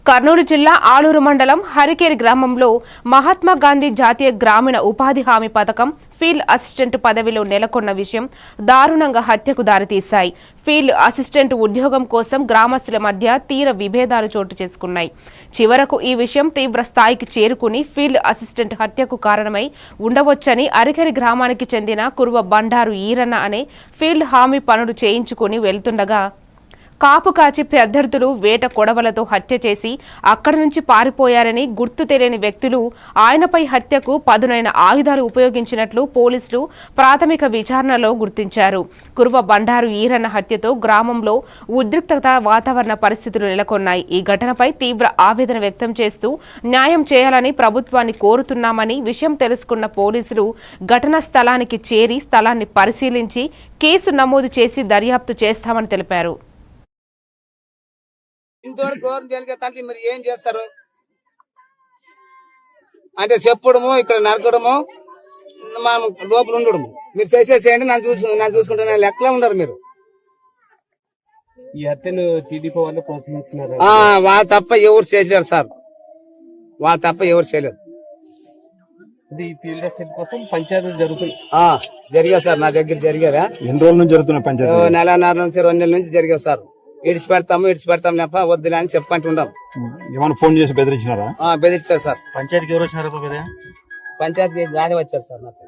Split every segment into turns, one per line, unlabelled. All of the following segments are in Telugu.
కర్నూలు జిల్లా ఆలూరు మండలం హరికేరి గ్రామంలో మహాత్మా గాంధీ జాతీయ గ్రామీణ ఉపాధి హామీ పథకం ఫీల్డ్ అసిస్టెంట్ పదవిలో నెలకొన్న విషయం దారుణంగా హత్యకు దారితీశాయి. ఫీల్డ్ అసిస్టెంట్ ఉద్యోగం కోసం గ్రామస్తుల మధ్య తీవ్ర విభేదాలు చోటు చేసుకున్నాయి. చివరకు ఈ విషయం తీవ్ర స్థాయికి చేరుకుని ఫీల్డ్ అసిస్టెంట్ హత్యకు కారణమై ఉండవచ్చని హరికేరి గ్రామానికి చెందిన కురువ బండారు ఈరన్న అనే ఫీల్డ్ హామీ పనులు చేయించుకుని వెళ్తుండగా కాపు కాచి అభ్యర్థులు వేట కొడవలతో హత్య చేసి అక్కడి నుంచి పారిపోయారని గుర్తు తెలియని వ్యక్తులు ఆయనపై హత్యకు పదునైన ఆయుధాలు ఉపయోగించినట్లు పోలీసులు ప్రాథమిక విచారణలో గుర్తించారు. కురువ బండారు ఈరన్న హత్యతో గ్రామంలో ఉద్రిక్తత వాతావరణ పరిస్థితులు నెలకొన్నాయి. ఈ ఘటనపై తీవ్ర ఆవేదన వ్యక్తం చేస్తూ న్యాయం చేయాలని ప్రభుత్వాన్ని కోరుతున్నామని విషయం తెలుసుకున్న పోలీసులు ఘటనా స్థలానికి చేరి స్థలాన్ని పరిశీలించి కేసు నమోదు చేసి దర్యాప్తు చేస్తామని తెలిపారు.
ఇంతవరకు గవర్నమెంట్ జనగతానికి మీరు ఏం చేస్తారు అంటే చెప్పడము ఇక్కడ నరకడము మనం లోపల ఉండడము మీరు చేసేసేయండి నన్ను చూసుకుంటే లెక్కలో ఉండరు మీరు.
ఈ హత్యను టీడీపీ వాళ్ళు ప్రోత్సహించినారు.
వాళ్ళు తప్ప ఎవరు చేసలేరు సార్, వాళ్ళు తప్ప ఎవరు చేయలేరు.
ఇది ఫీల్డ్ అసిస్టెంట్ కోసం పంచాయతీలు జరుగుతుంది.
జరిగా సార్, నా దగ్గర జరిగారా?
ఎన్ని రోజుల నుంచి జరుగుతున్నాయి పంచాయతీ?
నెలన్నర నుంచి 2 నెలల నుంచి జరిగావు సార్. ఇడిచి పెడతాం లేప వద్దులే అని చెప్పంటున్నాం.
ఏమైనా ఫోన్ చేసి బెదిరించినారా?
బెదిరించారు సార్.
పంచాయతీకి ఎవరు వచ్చినారు?
పంచాయతీకి గాలి వచ్చారు సార్. నాకు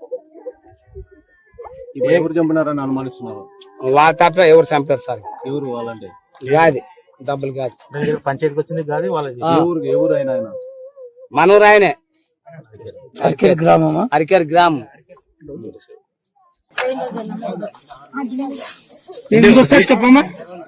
ఎవరు చంపినారని అనుమానిస్తున్నారు?
వాళ్ళ తప్ప ఎవరు చంపారు సార్?
ఎవరు వాళ్ళంటే?
గాది డబ్బులు గాది
పంచాయతీకి వచ్చింది గాది వాళ్ళది. ఎవరు అయినా
మనూరు ఆయనే. హరికేరి గ్రామం. చెప్పమ్మా.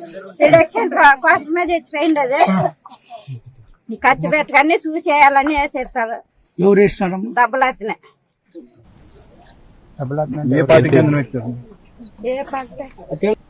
కోసమే తెచ్చిపోయింది అది. ఖర్చు పెట్టగానే చూసేయాలని వేసారు సార్.
ఎవరు వేసినారు?
డబ్బులు
ఏ పార్టీకి?
ఏ పార్టీ